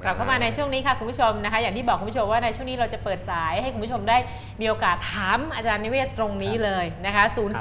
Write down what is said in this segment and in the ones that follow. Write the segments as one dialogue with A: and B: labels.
A: กลับเข้ามาในช่วงนี้ค่ะคุณผู้ชมนะคะอย่างที่บอกคุณผู้ชมว่าในช่วงนี้เราจะเปิดสายให้คุณผู้ชมได้มีโอกาสถามอาจารย์นิเวศตรงนี้เลยนะคะ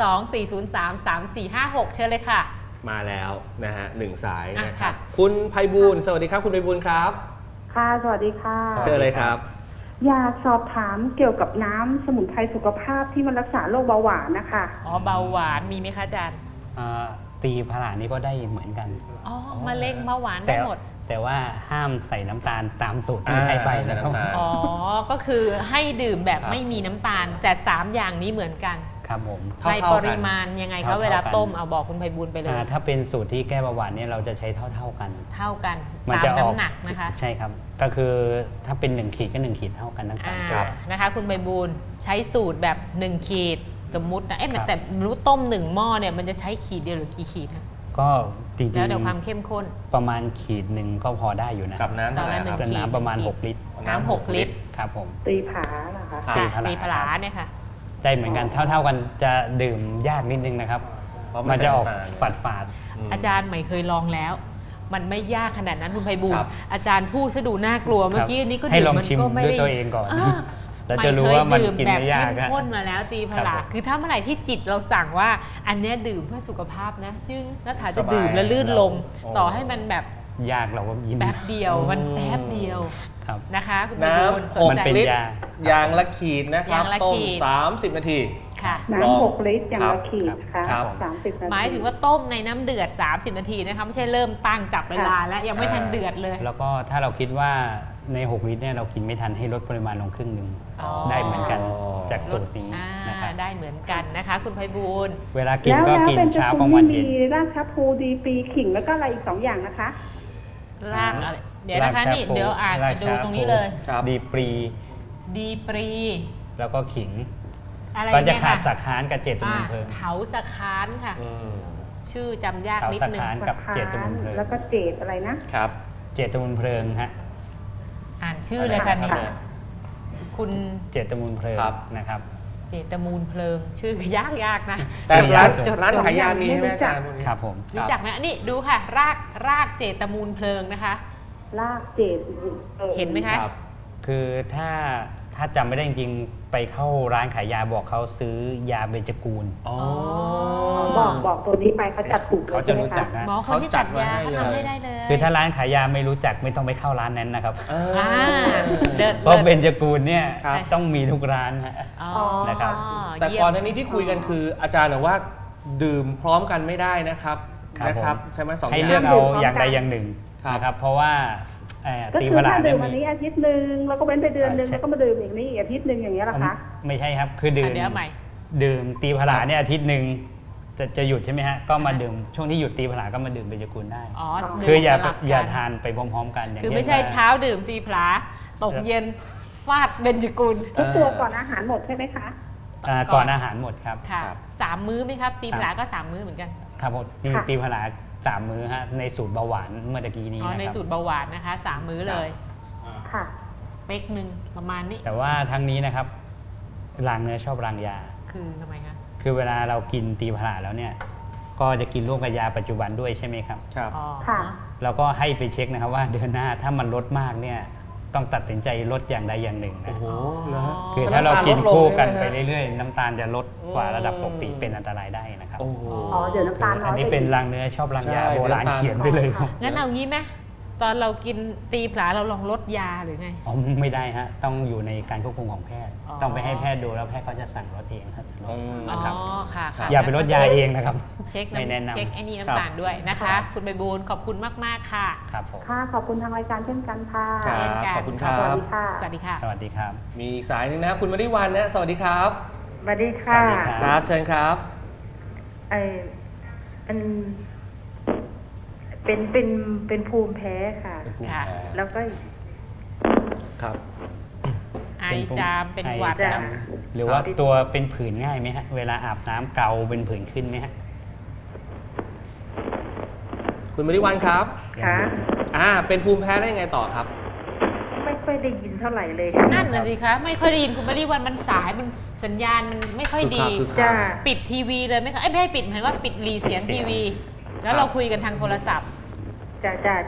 A: 024033456เชิญเลยค่ะ
B: มาแล้วนะฮะ1 สายนะครับคุณไพบูลย์สวัสดีครับคุณไพบูลย์ครับ
C: ค่ะสวัสดีค่ะ
B: เชิญเลยครับ
C: อยากสอบถามเกี่ยวกับน้ำสมุนไพรสุขภาพที่มันรักษาโรคเบาหวานนะคะ
A: เบาหวานมีไหมคะอาจารย์
D: ตีผลานี่ก็ได้เหมือนกัน
A: มะเร็งเบาหวานได้หมด
D: แต่ว่าห้ามใส่น้ำตาลตามสูตรที่ให้ไป
B: นะครับ
A: ก็คือให้ดื่มแบบไม่มีน้ำตาลแต่3อย่างนี้เหมือนกัน
D: ครับผม
A: ในปริมาณยังไงคะเวลาต้มเอาบอกคุณไพบูลย์ไปเลย
D: ถ้าเป็นสูตรที่แก้เบาหวานเนี่ยเราจะใช้เท่ากัน
A: ตามน้ำหนักนะคะ
D: ใช่ครับก็คือถ้าเป็น1 ขีดก็1 ขีดเท่ากันทั้ง3
A: ครับนะคะคุณไพบูลย์ใช้สูตรแบบ1 ขีดสมมุตินะแต่รู้ต้ม1 หม้อเนี่ยมันจะใช้ขีดเดียวหรือกี่ขีดคะ
D: ก็จริงๆ
A: แล้วเดี๋ยวความเข้มข้น
D: ประมาณขีด1ก็พอได้อยู่นะ
B: กับน้ำ
D: แต่น้ำประมาณ6 ลิตร
A: น้ำ6 ลิตร
D: ครับผม
C: ตีผานะคะ
A: ตีผลาเนี่ยค่ะ
D: ได้เหมือนกันเท่ากันจะดื่มยากนิดนึงนะครับมันจะออกฝาด
A: อาจารย์ใหม่เคยลองแล้วมันไม่ยากขนาดนั้นคุณไพบูลย์อาจารย์พูดซะดูน่ากลัวเมื่อกี้นี้ก็
D: ดื่มมันก็ไม่ได้ด้วยตัวเองก่อนเราจะรู้ว่ามันกินไม่ยาก
A: แบบเข้มข้นมาแล้วตีผลาคือถ้าเมื่อไหร่ที่จิตเราสั่งว่าอันนี้ดื่มเพื่อสุขภาพนะจึงแล้วถ้าจะดื่มแล้วลื่นลมต่อให้มันแบบ
D: ยากเราก็กิน
A: แป๊บเดียวมันแป๊บเดียวนะคะคุณไพบูลย์
B: น้ำ6 ลิตรอย่างละขีดนะครับต้ม30 นาที
C: น้ำ6 ลิตรอย่างละขีดค่ะ30 นาที
A: หมายถึงว่าต้มในน้ำเดือด30 นาทีนะคะไม่ใช่เริ่มตั้งจับเวลาแล้วยังไม่ทันเดือดเลย
D: แล้วก็ถ้าเราคิดว่าใน6 ลิตรเนี่ยเรากินไม่ทันให้ลดปริมาณลงครึ่งนึงได้เหมือนกันจากสูตรนี้
A: นะครับได้เหมือนกันนะคะคุณไพบูลย์
D: เวลากินก็กินเช้ากลางวันเย็น
C: รากชาพูดีปรีขิงแล้วก็อะไรอีก2 อย่างนะคะ
A: รากเดี๋ยวนะคะนี่เดี๋ยวอ่านดูตรงนี้เลย
D: ดีปรีแล้วก็ขิงก็จะขาดสักคานกับเจตุมูลเพลิง
A: เขาสักคานค่ะชื่อจำยากนิดนึง
D: เขาสักคานกับเจตุมูลเพลิง
C: แล้วก็เจตอะไรนะครับ
D: เจตุมูลเพลิงฮะ
A: อ่านชื่อเลยค่ะนี่คุณ
D: เจตมูลเพลิงนะครับ
A: เจตมูลเพลิงชื่อยากนะ
B: แต่ร้านขายยามีใช่ไหมอาจารย์
D: ครับผม
A: รู้จักไหมนี่ดูค่ะรากเจตมูลเพลิงนะคะ
C: รากเจต
A: เห็นไหมคะ
D: คือถ้าจำไม่ได้จริงไปเข้าร้านขายยาบอกเขาซื้อยาเบญจกูล
C: บอกตัวนี้ไปเขาจัดถูก
D: เขาจะรู้จักนะ
A: เขาจัดยาเขาทำให้ได้เลย
D: คือถ้าร้านขายยาไม่รู้จักไม่ต้องไปเข้าร้านนั้นนะครับเพราะเบญจกูลเนี่ยต้องมีทุกร้านนะครับ
B: แต่ก่อนหน้านี้ที่คุยกันคืออาจารย์บอกว่าดื่มพร้อมกันไม่ได้นะครับใช่ไหม2 อย่าง
D: ให้เลือกเอาอย่างใดอย่างหนึ่งนะครับเพราะว่า
C: ก็คือถ้าดื่มวันนี้อาทิตย์นึงแล้วก็เว้นไปเดือนนึงแล้วก็มาดื่มอีกนี่อาทิตย์นึงอย่างเงี้ยหรอคะ
D: ไม่ใช่ครับคือดื่มตีผลาเนี่ยอาทิตย์นึงจะหยุดใช่ไหมฮะก็มาดื่มช่วงที่หยุดตีผลาก็มาดื่มเบญจกูลได้คืออย่าทานไปพร้อมๆกัน
A: คือไม่ใช่เช้าดื่มตีผลาตกเย็นฟาดเบญจกูล
C: ทุกตัวก่อนอาหารหมดใช่ไหมคะ
D: ก่อนอาหารหมดครับ
A: ค่ะ3 มื้อไหมครับตีผลาก็3 มื้อเหมือนกัน
D: ครับผมตีผลา3 มื้อฮะในสูตรเบาหวานเมื่อกี้นี้
A: ในสูตรเบาหวานนะคะ3 มื้อเลย
C: ค่ะ
A: เป๊กนึงประมาณนี้
D: แต่ว่าทั้งนี้นะครับรางเนื้อชอบรางยา
A: คือทำไมคะ
D: คือเวลาเรากินตีผลาแล้วเนี่ยก็จะกินร่วมกับยาปัจจุบันด้วยใช่ไหมครับ
B: ครับ
C: ค่ะ
D: แล้วก็ให้ไปเช็คนะครับว่าเดือนหน้าถ้ามันลดมากเนี่ยต้องตัดสินใจลดอย่างใดอย่างหนึ่งนะคือถ้าเรากินคู่กันไปเรื่อยๆน้ำตาลจะลดกว่าระดับปกติเป็นอันตรายได้นะครับ
C: เดี๋ยวน้ำตาล
D: อันนี้เป็นรางเนื้อชอบรางยาโบราณเขียนไปเลยครับ
A: งั้นเอางี้ไหมตอนเรากินตีผลาเราลองลดยาหรือไง
D: ไม่ได้ฮะต้องอยู่ในการควบคุมของแพทย์ต้องไปให้แพทย์ดูแล้วแพทย์ก็จะสั่งลดเองครับ
A: นะครับ
D: อย่าไปลดยาเองนะครับ
A: เช็คไอ้นี่น้ำตาลด้วยนะคะคุณใบบูลย์ขอบคุณมากๆค่ะ
D: ครับผม
C: ค่ะขอบคุณทางรายการเช่นกันค่ะ
B: ขอบคุณครับ
C: สวัสดีค่ะ
A: สวัสดีค่ะ
D: สวัสดีครับ
B: มีสายนึงนะครับคุณมฤวันนะสวัสดีครับ
C: สวัสดีค่ะ
B: ครับเชิญครับ
C: เป็นภูมิแพ้ค่ะแล้วก็
B: ครับ
A: ไอจามเป็นหวัด
D: หรือว่าตัวเป็นผื่นง่ายไหมฮะเวลาอาบน้ำเกาเป็นผื่นขึ้นไหมฮะ
B: คุณมฤวันครับ
C: ค่ะ
B: เป็นภูมิแพ้ได้ยังไงต่อครับ
C: ไม่ค่อยได้ยินเท่าไหร่เลย
A: นั่นน่ะสิคะไม่ค่อยได้ยินคุณมฤวันมันสายมันสัญญาณมันไม่ค่อยดีปิดทีวีเลยไหมคะไม่ให้ปิดหมายว่าปิดรีเสียงทีวีแล้วเราคุยกันทางโทรศัพท์
C: จ้า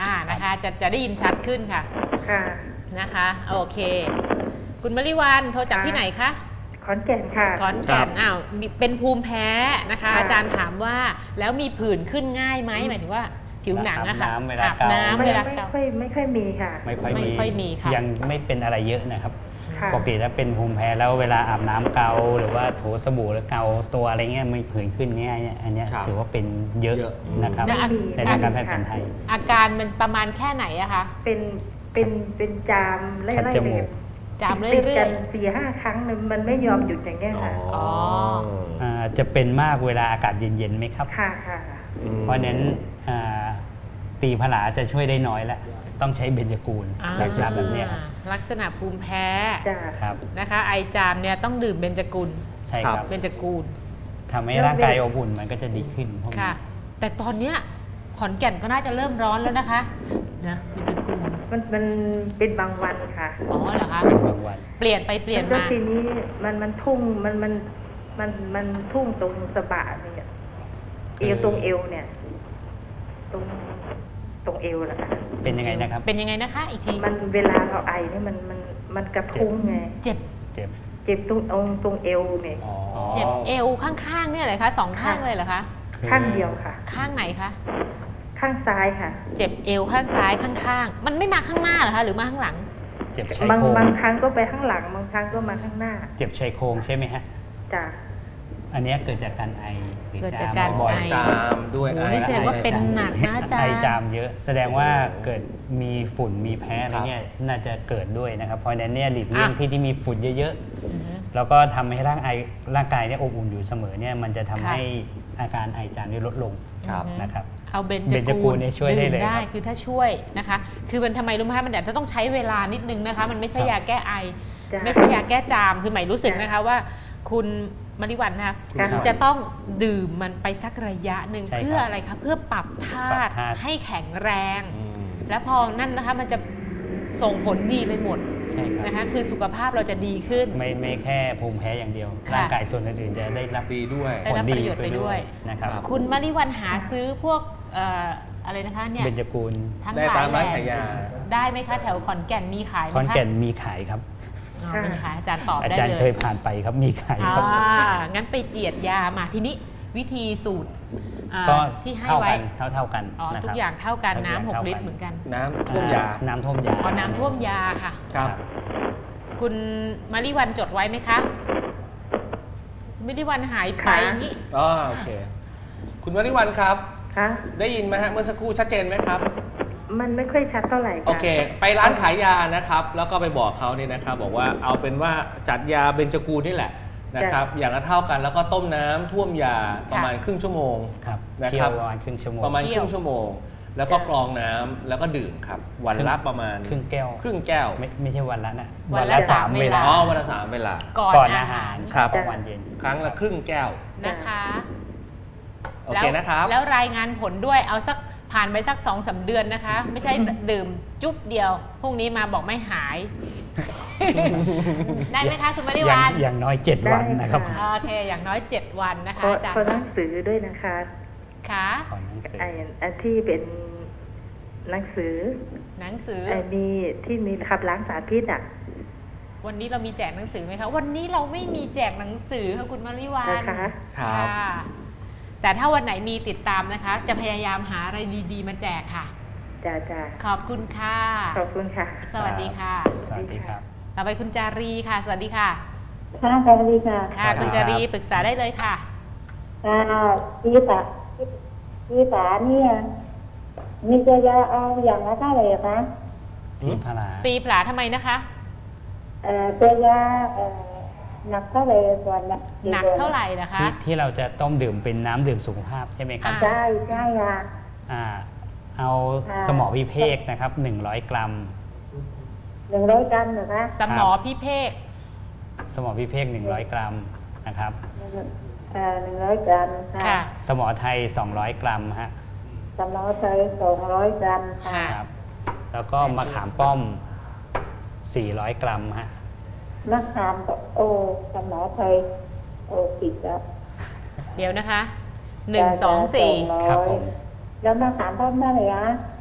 A: นะคะจะได้ยินชัดขึ้นค่ะ
E: ค่ะ
A: นะคะโอเค คุณมริวันโทรจากที่ไหนคะ
E: ขอนแก่นค่ะ
A: ขอนแก่นเป็นภูมิแพ้นะคะ
E: ค่ะ
A: อาจารย์ถามว่าแล้วมีผื่นขึ้นง่ายไหมหมายถึงว่าผิวหนังอะค่ะ
D: อาบน้ำเวลาเกา
E: ไม่ค่อยมีค่ะ
D: ไม่ค่อย
A: ไม่ค่อยมีค่ะ
D: ยังไม่เป็นอะไรเยอะนะครับ
E: ค่ะ
D: ปกติถ้าเป็นภูมิแพ้แล้วเวลาอาบน้ำเกาหรือว่าถูสบู่แล้วเกาตัวอะไรเงี้ยไม่ผื่นขึ้นง่ายเนี่ยอันเนี้ย
B: ครับ
D: ถือว่าเป็นเยอะ
B: เยอะ
D: นะครับ
A: แล้ว
D: ในทางการแพทย์แผนไทย
A: อาการมันประมาณแค่ไหนอะคะ
E: เป็นจามไล่
D: คัด
E: ไล่
D: จ
E: ไป
D: มูก
A: จามเรื่
E: ติด
A: อ
E: กั
A: ย
E: น4-5 ครั้งมันไม่ยอมหยุดอย่างเงี้ยค่ะ
A: อ๋อ
D: จะเป็นมากเวลาอากาศเย็นๆไหมครับ
E: ค่ะค่ะ
D: เพราะฉะนั้นตีผลาจะช่วยได้น้อยแล้วต้องใช้เบญจกูล
A: ๆ
D: ลักษณะแบบเนี้ยครับ
A: ลักษณะภูมิแพ้
E: จ้ะ
D: ครับ
A: นะคะ ไอจามเนี่ยต้องดื่มเบญจกุล
D: ใช่ครับ
A: เบญจกูล
D: ทำให้ร่างกายอบอุ่นมันก็จะดีขึ้นพวกนี้
A: ค่ะ แต่ตอนเนี้ยขอนแก่นก็น่าจะเริ่มร้อนแล้วนะคะนะเบญจกูล
E: มันเป็นบางวันค่ะ
A: อ๋อเหรอคะ
D: เป็นบางวัน
A: เปลี่ยนไปเปลี่ยน
E: แล้ว
A: มา
E: ทีนี้มันทุ่งมันทุ่งตรงสะบะเนี่ยเอวตรงเอวเนี่ย ตรงเอวแหละค่ะ
D: เป็นยังไงนะครับ
A: เป็นยังไงนะคะอีกที
E: มันเวลาเราไอเนี่ยมันกระทุ้งไง
A: เจ็บ
D: เจ็บ
E: เจ็บตรงเอวเนี่ย
B: อ๋อ
A: เจ็บเอวข้างๆเนี่ยเลยคะสองข้างเลยเหรอคะ
E: ข้างเดียวค่ะ
A: ข้างไหนคะ
E: ข้างซ้ายค่ะ
A: เจ็บเอวข้างซ้ายข้างๆ มันไม่มาข้างหน้าเหรอคะหรือมาข้างหลัง
D: เจ็บชายโครง
E: บางครั้งก็ไปข้างหลังบางครั้งก็มาข้างหน้า
D: เจ็บชายโครงใช่ไหมฮะ
E: จ้ะ
D: อันเนี้ยเกิดจากการไอหรือ
A: เกิดจากการ
B: บ่อย
A: ไอ
B: จามด้วย
A: โอ้
B: ไอ
A: นี่แสดงว่าเป็นหนักนะอาจาร
D: ไอ
A: ย์
D: จามเยอะ แสดงว่าเกิดมีฝุ่นมีแพ้อะไรเงี้ยน่าจะเกิดด้วยนะครับ เพราะฉะนั้นเนี่ยหลีกเลี่ยงที่มีฝุ่นเยอะ
A: อือฮึ
D: ๆ แล้วก็ทำให้ร่างกายเนี่ยอบอุ่นอยู่เสมอเนี่ยมันจะทำ
A: ค่ะ
D: ให้อาการไอจามเนี่ยลดลง
B: ครับ
D: นะครับ
A: เอาเบญ
D: เบญ
A: จ
D: จกู
A: กู
D: ล
A: ล
D: เนี่ยช่วยได้เลย
A: ดื่มได้
D: ครับ
A: คือถ้าช่วยนะคะ คือมันทำไมรู้ไหมคะมันอาจจะต้องใช้เวลานิดนึงนะคะ มันไม่ใช่
D: ครับ
A: ยาแก้ไอ
E: จ้ะ
A: ไม่ใช่ยาแก้จามคือหมายรู้สึกนะคะว่า คุณมริวันนะคะ
E: ครับ
A: คุณจะต้องดื่มมันไปสักระยะหนึ่ง
D: ใช่ครับ
A: เพื่ออะไรคะเพื่อปรับธา
D: ปรับ
A: ตุ
D: ธาตุ
A: ให้แข็งแรง
B: อืม
A: แล้วพอนั่นนะคะมันจะส่งผลดีไปหมด
D: ใช่ครับ
A: นะคะ คือสุขภาพเราจะดีขึ้น
D: ไม่แค่ภูมิแพ้อย่างเดียว
A: ค่ะ
D: ร่างกายส่วนอื่นๆจะได้รับ
B: ดีด้วย
A: ได้รับประโยชน์ไปด้วย
D: นะครับ
B: ครับ
A: คุณมริวันหาซื้อพวกอะไรนะคะเนี่ย
D: เบญจกูล
A: ทั้ง
B: ได้
A: หลา
B: ตาย ม
A: แห
B: ร้าน
A: ล่
B: ขายยา
A: ได้ไหมคะแถวขอนแก่นมีขายไหม
D: คอน
A: คะ
D: แก่นมีขายครับ
A: อ๋อมีขายอาจารย์ตอบ
D: อา
A: ได้
D: จารย์
A: เล
D: เค
A: ย
D: ยผ่านไปครับมีขายครับ
A: งั้นไปเจียดยามาทีนี้วิธีสูตร
D: ก็
A: ที่ให้
D: เท่า
A: ไว้
D: กันเท่ากัน
A: อ๋อ
D: นะค
A: ทุ
D: รั
A: ก
D: บ
A: อย่างเท่ากัน
D: ทุกอย่าง
A: น้ำ
D: เท่า
A: 6
D: กัน
A: ลิตรเหมือนกัน
B: น้ำท่วมยา
D: น้ำท่วมยา
A: อ๋อน้ำท่วมยาค่ะ
B: ครับ
A: คุณมาริวันจดไว้ไหมคะมาริวันหายไป
E: ค่ะ
A: นี่
B: อ๋อโอเค คุณวริวันครับ
E: คะ
B: ได้ยินไหมฮะเมื่อสักครู่ชัดเจนไหมครับ
E: มันไม่ค่อยชัดเท่าไหร่ค่ะ
B: โอเค ไปร้านขายยานะครับ แล้วก็ไปบอกเขาเนี่ยนะครับ บอกว่าเอาเป็นว่าจัดยาเบญจกูลนี่แหละนะครับ อย่างละเท่ากันแล้วก็ต้มน้ำท่วมยาประมาณครึ่งชั่วโมง
D: ครับ
B: นะ
D: เที่
B: ค
D: ย
B: รั
D: ว
B: บ
D: ประมาณครึ่งชั่วโมง
B: ประมาณครึ่งชั่วโมง แล้วก็กรองน้ำแล้วก็ดื่มครับ วันละประมาณ
D: ครึ่งแก้ว
B: ครึ่งแก้ว
D: ไม่ใช่วันละนะ
A: วันละสามเวลา
B: อ๋อวันละ3 เวลา
A: ก่อน
D: อา
A: อา
D: หา
A: หาร ร
B: ครับ
D: ของวันเย็น
B: ครั้งละครึ่งแก้ว
A: นะคะ
B: โอเคนะครับ
A: แล้วรายงานผลด้วยเอาสักผ่านไปสัก2-3 เดือนนะคะ ไม่ใช่ดื่มจุ๊บเดียวพรุ่งนี้มาบอกไม่หาย ได้ไหมคะคุณมาริวัน
D: อย่างน้อย 7 วันนะครับ
A: โอเค อย่างน้อย 7 วันนะคะ
E: ขอ
A: อาจารย์
E: ขอหนังสือด้วยนะคะ
A: ค่ะ
D: ขอหนังสือ
E: ไอ้ที่เป็นหนังสือ
A: หนังสือ
E: ไอ้มีที่มีขับล้างสารพิษอ่ะ
A: วันนี้เรามีแจกหนังสือไหมคะ วันนี้เราไม่มีแจกหนังสือค่ะคุณมาริวัน
E: นะคะ
B: ครับ
A: ค่ะแต่ถ้าวันไหนมีติดตามนะคะ จะพยายามหาอะไรดีๆ มาแจกค่ะ
E: จ้าจ้า
A: ขอบคุณค่ะ
E: ขอบคุณค่ะ
A: สวัสดีค่ะ
D: สวัสดีครับ
A: ต่อไปคุณจารีค่ะ สวัสดีค่ะ
C: ค่ะสวัสดีค่ะ
A: ค่ะ
D: สวัสดี
A: คุณจารีปรึกษาได้เลยค่ะ
C: พี่สาเนี่ยมีจะยาเอาอย่างละเท่าไหร่คะ
D: ที่พารา
A: ปีผลาทำไมนะคะ
C: ตัวยาหนักเท่าไหร่ก่อนนะ
A: หนักเท่าไหร่นะคะ
D: ที่เราจะต้มดื่มเป็นน้ำดื่มสุขภาพใช่ไหมครับ
C: ใช่ใช่ค่ะ
D: เอา
C: ค่ะ
D: สมอพิเภกนะครับ100 กรัม
C: 100 กรัมเหรอคะ
A: สมอพิเภก
D: สมอพิเภก100 กรัมนะครับ
C: 100 กรัม
A: ค่ะ
D: สมอไทย200 กรัมฮะ
C: สมอไทย200 กรัมค่ะ
A: ค่ะ
D: ครับ แล้วก็มะขามป้อม 400 กรัมฮะ
C: มะขามสมอไทยผิดแล้ว
A: เดี๋ยวนะคะ1 2 4
D: ครับผม
C: แล้วมะขามป้อมเท่าไหร่คะ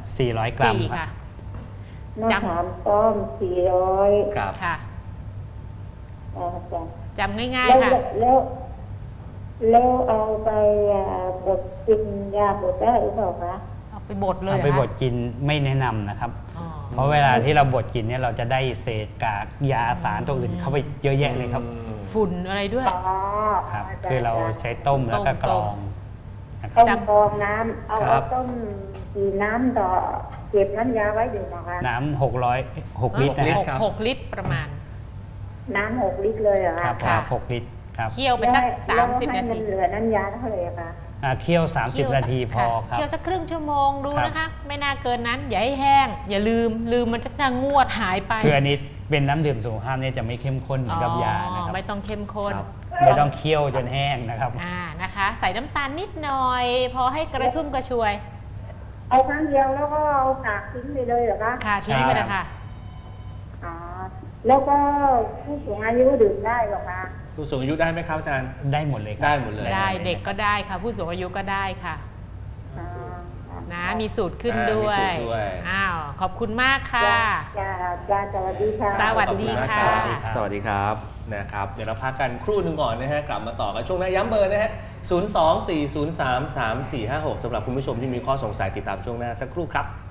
D: 400 กรัม
A: 4
D: ครั
A: ค่ะ
D: บ
C: มะขามป้อม400
B: ครับ
A: ค่ะ
C: จ้ะ
A: จำง่าย
C: แล้ว
A: ๆค่ะ
C: แล้วเอาไปบดกินยาบดได้หรือเปล่าคะ
A: เอาไปบดเลย
D: เอา
A: เหร
D: ไป
A: อคะ
D: บดกินไม่แนะนำนะครับ
A: อ๋อ
D: เพราะเวลาที่เราบดกินเนี่ยเราจะได้เศษกากยาสารตัวอื่นเข้าไปเยอะแยะเลยครับ
A: ฝุ่นอะไรด้วย
C: อ๋อ
D: ครับ
C: จ้ะ
D: คือเราใช้ต้มแล้วก็กรองนะครับ
C: ต้ม
A: จำ
C: กรองน้ำเอา
B: ครับ
C: ต้มกี่น้ำต่อเก็บน้ำยาไว้อยู่นะคะ
D: น้ำ6 ลิตรนะ
B: ลิต
D: ฮะ
B: ร ครับ
A: 6 ลิตรประมาณ
C: น้ำ6 ลิตรเลยเหรอ
D: ครั
C: คะ
D: บ
A: ค่ะ
D: 6 ลิตรครับ
A: เคี่ยวไปสัก
C: แล้ว
A: 30
C: ให้
A: นา
C: มั
A: ที
C: นเหลือน้ำยาเท่าไหร่อะคะ
D: เคี่ยว 30 นาทีพอครับ
A: เคี่ยวสักครึ่งชั่วโมงดู
D: ครับ
A: นะคะ ไม่น่าเกินนั้น อย่าให้แห้ง อย่าลืมมันจะงวดหายไป
D: คืออันนี้เป็นน้ำดื่มสุขภาพเนี่ยจะไม่เข้มข้นเหมือนกับยานะครับ
A: ไม่ต้องเข้มข้น
B: ครับ
D: ไม่ต้องเคี่ยวจนแห้งนะครับ
A: นะคะ ใส่น้ำตาลนิดหน่อย พอให้กระชุ่มกระชวย
C: เอาครั้งเดียวแล้วก็เอาตากทิ้งไปเลยเหรอคะ
A: ค่ะทิ้งไปเลยค่ะ
C: อ๋อแล้วก็ผู้สูงอายุดื่มได้เหรอคะ
B: ผู้สูงอายุได้ไหมครับอาจารย์
D: ได้หมดเลยครั
B: ได้หมดเลย
A: ได้เด็กก็ได้ค่ะ ผู้สูงอายุก็ได้ค่ะ
C: อ๋อ
A: นะมีสูตรขึ้น
B: มี
A: ด้วย
B: สูตรด้วย
A: อ้าวขอบคุณมากค่ะ
C: จ้าจ้าสวัสดีค่ะ
A: สวัส
B: ขอบ
A: ดี
B: ณมาก
A: ค่ะ
B: รับสวัสดีครับนะครับ เดี๋ยวเราพักกันครู่หนึ่งก่อนนะฮะกลับมาต่อกันช่วงหน้าย้ำเบอร์นะฮะ 024033456สำหรับคุณผู้ชมที่มีข้อสงสัยติดตามช่วงหน้าสักครู่ครับ